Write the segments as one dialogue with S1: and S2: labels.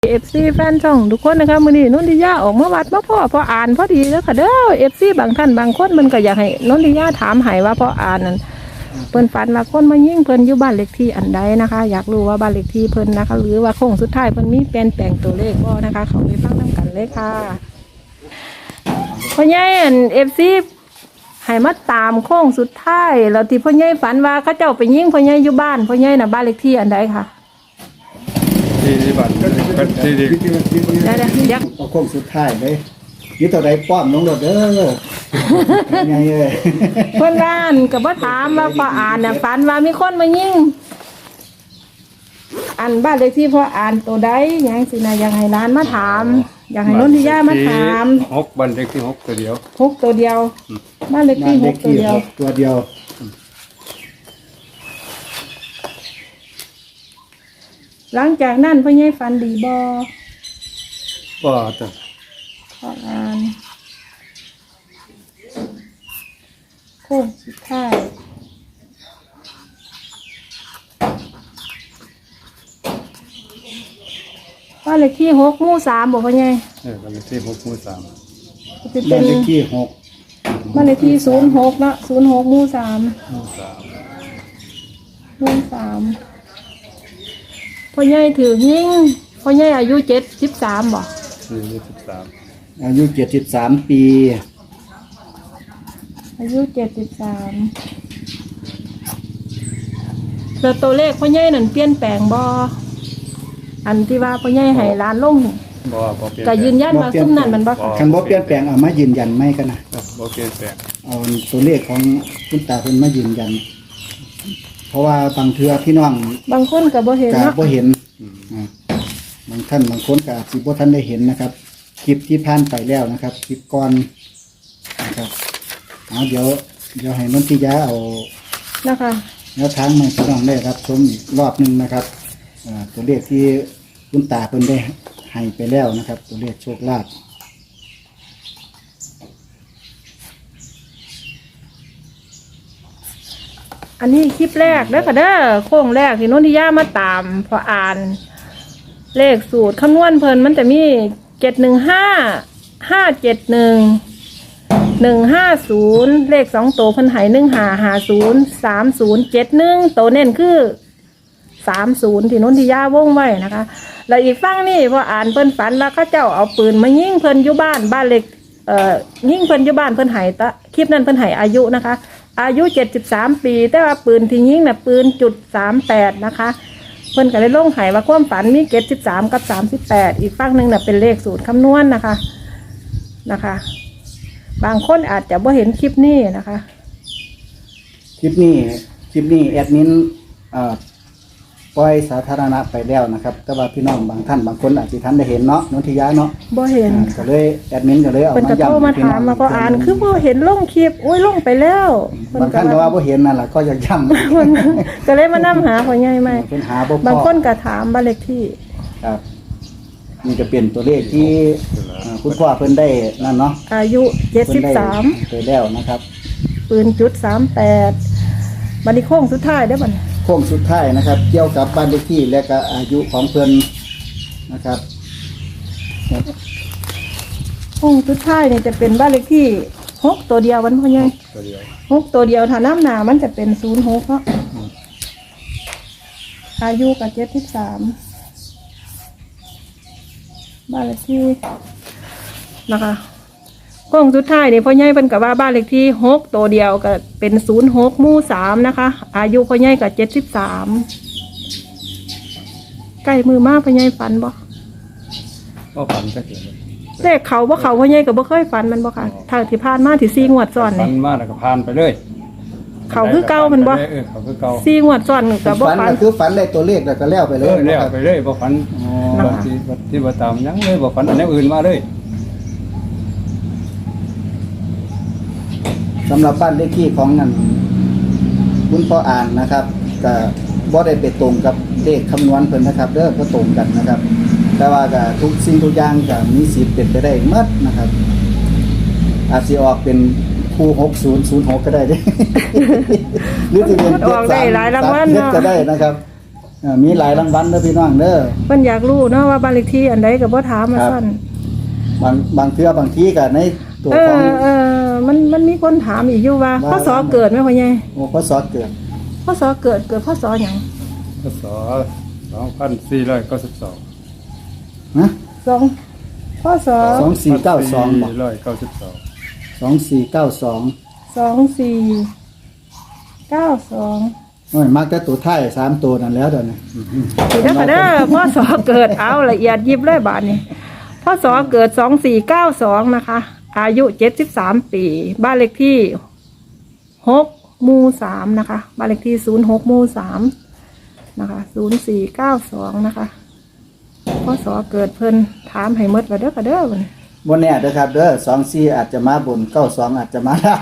S1: FC แฟนช่องทุกคนนะคะมื้อนี้นนทิยาออกมาวัดมาพ่ออ่านพอดีแล้วค่ะเด้อ FC บางท่านบางคนมันก็อยากให้นนทิยาถามให้ว่าพ่ออ่านนั่นเพิ่นฝันว่าคนมายิงเพิ่นอยู่บ้านเลขที่อันใดนะคะอยากรู้ว่าบ้านเลขที่เพิ่นนะคะหรือว่าโค้งสุดท้ายเพิ่นมีเปลี่ยนแปลงตัวเลขบ่นะคะเขาไปฟังนำกันเลยค่ะพ่อใหญ่อัน FC ให้มาตามโค้งสุดท้ายแล้วที่พ่อใหญ่ฝันว่าเขาเจ้าไปยิงพ่อใหญ่อยู่บ้านพ่อใหญ่น่ะบ้านเลขที่อันใดค่ะ
S2: ที่บ้านก็ที่ดี
S1: เดี๋ยว
S3: เอาโค้งสุดท้ายเลยนี่ตัวใดป้อมน้องรถเด้อไงเอ้ย
S1: เพื่อนบ้านก็บ่ถามว่าพ่ออ่านน่ะฝันว่ามีคนมายิงอันบ้านเลขที่พ่ออ่านตัวใดหยังสินะอยากให้ร้านมาถามอยากให้นนทิยามาถาม
S2: 6บ้านเลขที่6ตัวเดียว
S1: 6ตัวเดียวบ้านเลขที่6ตัวเดียว
S3: ตัวเดียว
S1: หลังจากนั้นพ่อใหญ่ฝันดีบ่
S2: ก็ตัว
S1: พ่ออ่านโค้งสุดท้ายบ้านเลขที่6หมู่3บ่พ่อใหญ่
S2: บ้านเลขที่6หมู่3
S1: จะเป็
S3: บ้าน
S1: น
S3: เลขที่6
S1: บ้านเลขที่06เนาะ06หมู่3
S2: หมู่
S1: 3พ่อใหญ่ถือยิงพ่อใหญ่อายุ73บ่
S2: 13
S3: อายุ73ปี
S1: อายุ73แล้วตัวเลขพ่อใหญ่นั่นเปลี่ยนแปลงบ่อันที่ว่าพ่อใหญ่ให้ร้านลง
S2: บ่เปลี่ยน
S1: ก็ยืนยันว่าซุ่มนั้นมันบ่
S3: คันบ่เปลี่ยนแปลงเอามายืนยันไหมกันนะ
S2: บ่เปลี่ยนแปลง
S3: เอาตัวเลขของคุณตาเพิ่นมายืนยันเพราะว่าบางเทื่อพี่น้อง
S1: บางคนก็บ่เห็น
S3: ก็
S1: เนาะ
S3: บ่เห็นบางท่านบางคนก็อาจสิบ่ทันได้เห็นนะครับคลิปที่ผ่านไปแล้วนะครับคลิปก่อนนะครับเดี๋ยวให้นนทิยาเอา
S1: นะคะ
S3: แนวทางมาพี่น้องได้รับชมอีกรอบหนึ่งนะครับตัวเลขที่คุณตาเพิ่นได้ให้ไปแล้วนะครับ ตัวเลขโชคลาภ
S1: อันนี้คลิปแรกเด้อค่ะเด้อโค้งแรกที่นนทิยามาตามพออ่านเลขสูตรคำนวณเพิ่นมันจะมี715 571 150เลข2ตัวเพิ่นให้1550 3071ตัวเน้นคือ30ที่นนทิยาวงไว้นะคะแล้วอีกฝั่งนี่พออ่านเพิ่นฝันว่าเขาเจ้าเอาปืนมายิงเพิ่นอยู่บ้านเล็กยิงเพิ่นอยู่บ้านเพิ่นให้ตะคลิปนั้นเพิ่นให้อายุนะคะอายุ73ปีแต่ว่าปืนที่ยิงน่ะปืน.38นะคะเพิ่นก็เลยลงให้ว่าความฝันมี73กับ38อีกฝั่งนึงน่ะเป็นเลขสูตรคำนวณนะคะบางคนอาจจะบ่เห็นคลิปนี้นะคะ
S3: คลิปนี้แอดมินปล่อยสาธารณะไปแล้วนะครับแต่ว่าพี่น้องบางท่านบางคนอาจจะทันได้เห็นเนาะนนทิยาเนาะ
S1: บ่เห็น
S3: ก็เลยแอดมินก็เลยเอา
S1: เพิ่น
S3: มา
S1: ก็โทร
S3: ย้ำ
S1: มาถามมาพออ่านคือบ่เห็นลงคลิปโอ้ยลงไปแล้วเพิ่
S3: บางท่านก็ว่าบ่เห็นนั่นแหละก็อยากย้ำ
S1: เพิ่นก็เลยมานํหาพ่อใหญ่ใหม่
S3: เพิ่นหาบ่พ
S1: บาง
S3: อ
S1: คนก็ถามบ้านเลขที่
S3: ครับนี่จะเป็นตัวเลขที่คุณพ่อเพิ่นได้นั่นเนาะ
S1: อายุ
S3: เพิ่นได้
S1: 73
S3: ไปแล้วนะครับ
S1: ปืน.38บัดนี้โค้งสุดท้ายได้อบัดนี้
S3: โค้งสุดท้ายนะครับ เกี่ยวกับบ้านเลขที่และก็อายุของเพิ่นนะครับ
S1: โค้งสุดท้ายนี่จะเป็นบ้านเลขที่6ตัวเดียววันพ่อใหญ่
S2: ตัวเดียว
S1: 6ตัวเดียวถ้าน้ำหนามันจะเป็น06เนาะอายุก็73บ้านเลขที่นะคะโค้งสุดท้ายนี่พ่อใหญ่เพิ่นก็ว่าบ้านเลขที่6ตัวเดียวก็เป็น06หมู่3นะคะอายุพ่อใหญ่ก็73ใกล้มือมากพ่อใหญ่ฝันบ่
S2: ก็ฝันจักเห็น
S1: เลขเขาบ่เขาพ่อใหญ่ก็บ่เคยฝันมันบ่ค่ะถ้าที่ผ่านมาที่4งวดซ้อน
S2: ฝั
S1: นี่
S2: นมาแล้วก็ผ่านไปเลย
S1: เขาคือเก่ามันบ่
S2: เขาคือเก่า
S1: 4งวดซ้อนก็บ่
S3: ฝัน
S1: ฝัน
S3: ก็คือฝันได้ตัวเลขแล้วก็แล้วไปเลย
S2: แล้ว
S3: นะครับ
S2: ไปเลยบ่ฝัน
S3: อ๋อ
S2: ที่บ่ตามยังเลยบ่ฝันอันนี้อื่นมาเลย
S3: สำหรับบ้านเลขที่ของนั่นคุณพ่ออ่านนะครับก็บ่ได้ไปตรงกับเลขคำนวณเพิ่นนะครับเด้อบ่ตรงกันนะครับ แต่ว่าก็ทุกสิ่งทุกอย่างก็มีสิทธิ์เป็นไปได้หมดนะครับ อาจสิออกเป็นคู่6006ก็ได้เด้ หรือจะเป็น
S1: มันออกได้หลายรางวัล
S3: 73
S1: เนาะ
S3: ก็ได้นะครับมีหลายรางวัลเด้อพี่น้องเด้อ
S1: เพิ่นอยากรู้เนาะว่าบ้านเลขที่อันใดก็บ่ถามมาซั่น
S3: บางเทื่อบางทีก็ในตัว
S1: เอ
S3: ของ
S1: อมันมีคนถามอีกอยู่ว่าพศเกิดไหมพ่อใหญ่
S3: โอ้พศเกิด
S1: พศเกิดพศหยัง
S2: พศ2492
S3: นะ
S1: สองพศ
S3: 2492บ่
S2: 2492
S3: 2492
S1: 2492
S3: โอ้ยมักแต่ตัวท้าย3ตัวนั่นแล้วเดี๋ยวนี้
S1: สิเด้อค่ะเด้อพศเกิดเอาละเอียดยิบเลยบาดนี้พศเกิด2492นะคะอายุ73ปีบ้านเลขที่6หมู่3นะคะบ้านเลขที่06หมู่3นะคะ0492นะคะพศเกิดเพิ่นถามให้หมดว่าเด้อค่ะเด้อบัดนี้
S3: บ่แน่เด้อครับเด้อ24อาจจะมาบน92อาจจะมาล่าง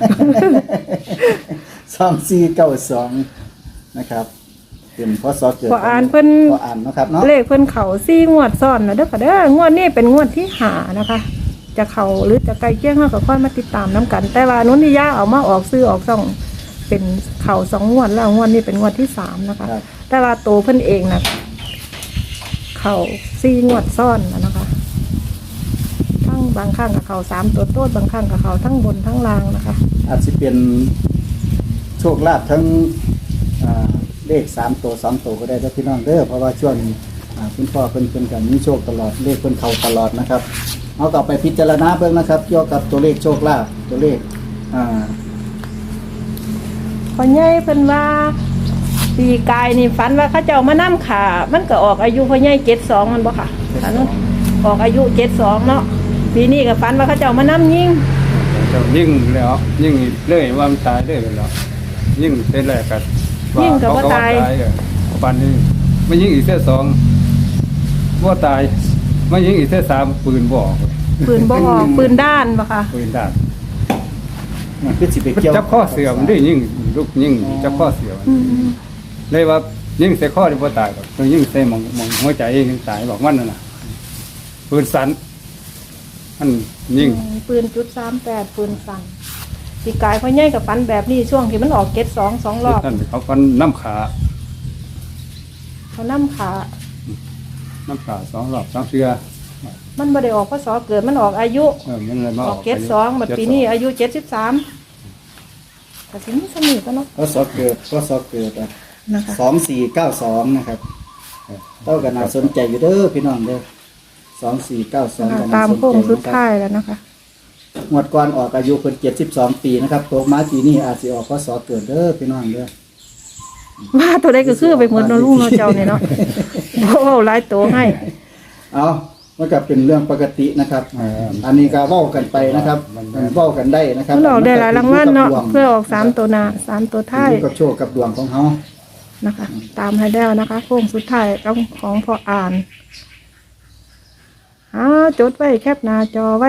S3: 2492นะครับเป็นพศเกิด
S1: พออ่านเพิ่น
S3: พออ่านเนาะครับเนาะ
S1: เลขเพิ่นเขา4งวดซ้อนนะเด้อค่ะเด้องวดนี้เป็นงวดที่5นะคะ จะเข้าหรือจะใกล้เคียงเฮาก็ค่อยมาติดตามนํกัน แต่ว่านุนที่ย่าเอามาออกซื้อออกซ่องเป็นเข่า2งวดแล้วงวดนี้เป็นงวดที่3นะคะ
S3: ครับ
S1: แต่ว่าโตเพิ่นเองนะเข่า4งวดซ้อนนะคะทั้งบางครั้งกับเข่า3ตัวโต้บางครั้งกับเข่าทั้งบนทั้งล่างนะคะ
S3: อาจสิเป็นโชคลาภทั้งเลข3ตัว2ตัวก็ได้เด้อพี่น้องเด้อเพราะว่าช่วงนี้คุณพ่อเพิ่นก็มีโชคตลอดเลขเพิ่นเข้าตลอดนะครับเอากลับไปพิจารณาเบิ่งนะครับเกี่ยวกับตัวเลขโชคลาภตัวเลข
S1: พอใหญ่เพิ่นว่าปีกายนี่ฝันว่าเขาเจ้ามานํขามันก็ออกอายุพ่อใหญ่72มันบ่ค่ะอันนั้นออกอายุ72เนาะปีนี้ก็ฝันว่าเขาเจ้ามานํยิง
S2: เจ้ายิ่งแล้วยิ่งเลยว่ามันตายเลยแล้วยิ่งเป็นแรกกันปันนี้ไม่ยิ่งอีกเส้น2ว่าตายไม่ยิ่งอีกเส้น3ปืนบ่ออก
S1: ปืนบ่ออกปืนด้านบ่ค่ะ
S2: ปืนด้าน
S3: มันคือสิไปเกี่ยว
S2: จับข้อเสื่อมด้วยยิ่งลูกยิ่งจับข้อเสื่อมเลยว่ายิ่งใส่ข้อที่บ่ตายหรอกตัวยิ่งใส่มองหัวใจยิ่งตายบอกมันน่ะปืนสันมันยิ่ง
S1: ปืน.38ปืนสั่นปีกายพ่อใหญ่กับฝันแบบนี้ช่วงที่มันออก72 2รอบ
S2: ท่านเขาฟันน้ำขา
S1: เขานํขา
S2: 2 รอบ2เทื่อ
S1: มันบ่ได้ออกพศเกิดมันออกอายุ
S2: มันเลยมา
S1: อ
S2: อ
S1: อ
S2: อก ก
S1: 72บัดปีนี้อายุ73ก็สิมีสนิทกันเนาะ
S3: พศเกิด
S1: นะคะ
S3: 2492นะครับเท่ากันน่าสนใจอยู่เด้อพี่น้องเด้อ2492กัน
S1: ตา
S3: น่าม สน
S1: โค้ง
S3: ใจ
S1: สุด
S3: นะครับ
S1: ท้ายแล้วนะคะ
S3: งวดก่อนออกอายุเพิ่น72ปีนะครับตกมาปีนี้อาจสิออกพศเกิดเด้อพี่น้องเด้อ
S1: ว่าตัวใดก็คือไปหมดเนาะลุงเนาะเจ้านี่เนาะบ่เว้าหลายตัวให้
S3: เอามันก็เป็นเรื่องปกตินะครับ อันนี้ก็เว้ากันไปนะครับเว้ากันได้นะครับ
S1: มันออกได้หลายรางวัลเนาะเพื่อออก3ตัวหน้า3ตัวท้าย
S3: อยู่กับโชคกับดวงของเฮา
S1: นะคะ ตามให้แล้วนะคะโค้งสุดท้ายของพออ่านจดไว้แคปหน้าจอไว้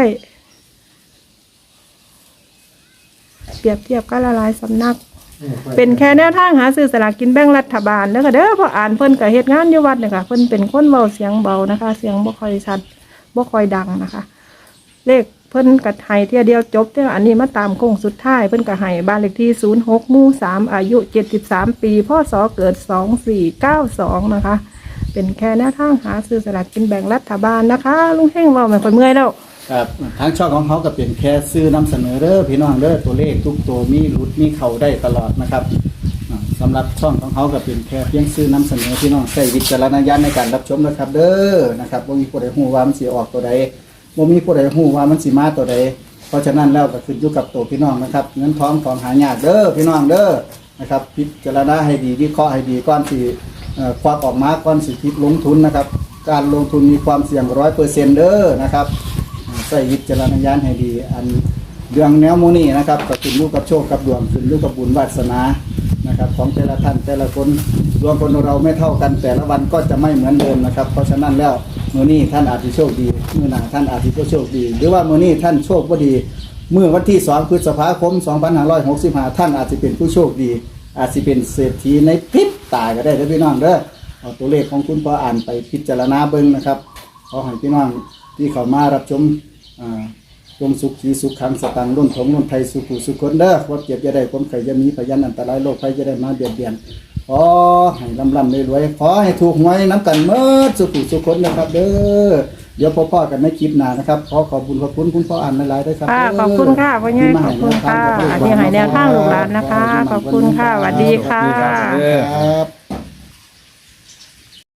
S1: เปรียบเทียบกันละลายสำนัก เป็นแค่แนวทางหาซื้อสลากกินแบ่งรัฐบาลเด้อค่ะเด้อพออ่านเพิ่นก็เฮ็ดงานอยู่วัดเนี่ยค่ะเพิ่นเป็นคนเว้าเสียงเบานะคะ เสียงบ่ค่อยชัดบ่ค่อยดังนะคะ เลขเพิ่นก็ให้เที่ยเดียวจบเด้ออันนี้มาตามโค้งสุดท้ายเพิ่นก็ให้บ้านเลขที่06หมู่3อายุ73ปีพศเกิด2492นะคะ เป็นแค่แนวทางหาซื้อสลากกินแบ่งรัฐบาลนะคะลุงเฮงเว้าไม่ค่อยเมื่อยแล้ว
S3: ครับทางช่องของเขาก็เป็นแค่ซื้อนำเสนอเด้อพี่น้องเด้อตัวเลขทุกตัวมีหลุดมีเข้าได้ตลอดนะครับสำหรับช่องของเขาก็เป็นแค่เพียงซื้อนำเสนอพี่น้องใช้วิจารณญาณในการรับชมนะครับ เด้อนะครับบ่มีผู้ใดฮู้ว่ามันสิออกตัวใดบ่มีผู้ใดฮู้ว่ามันสิมาตัวใดเพราะฉะนั้นแล้วก็ขึ้นอยู่กับตัวพี่น้องนะครับเงินทองของหายากเด้อพี่น้องเด้อนะครับพิจารณาให้ดีวิเคราะห์ให้ดีก่อนสิควักออกมาก่อนสิคิดลงทุนนะครับ การลงทุนมีความเสี่ยง 100% เด้อนะครับใส่วิจารณญาณให้ดีอันเรื่องแนวโมนี่นะครับก็ขึ้นอยู่กับโชคกับดวงขึ้นอยู่กับบุญวาสนานะครับของแต่ละท่านแต่ละคนดวงคนเราไม่เท่ากันแต่ละวันก็จะไม่เหมือนเดิมนะครับเพราะฉะนั้นแล้วมื้อนี้ท่านอาจจะโชคดีมื้อหน้าท่านอาจจะโชคดีหรือว่ามื้อนี้ท่านโชคบ่ดีเมื่อวันที่2พฤษภาคม2565ท่านอาจจะเป็นผู้โชคดีอาจจะเป็นเศรษฐีในพริบตาก็ได้เด้อพี่น้องเด้อเอาตัวเลขของคุณพ่ออ่านไปพิจารณาเบิ่งนะครับขอให้พี่น้องที่เข้ามารับชมจงสุขขีสุขขังสตังค์รุ่นของรุ่นไทยสุขุสุขคนเด้อความเจ็บจะได้ความไข่จะมีพยันอันตรายโรคภัยจะได้มาเบียดเบียนขอให้ลำรวยๆขอให้ถูกหวยน้ำกันเมื่อสุขุสุขคนนะครับ เด้อเดี๋ยวพ่อกันในคลิปหน้านะครับขอขอบคุณคุณพ่ออ่านหลายๆด้วยครับ
S1: ค่ะขอบคุณค่ะพ่อใหญ่ขอบคุณค่ะที่ให้แนวทางลูกหลานนะคะ ขอบคุณค่ะสวัสดีค่ะ
S2: สวัสดีครับ
S3: ครับ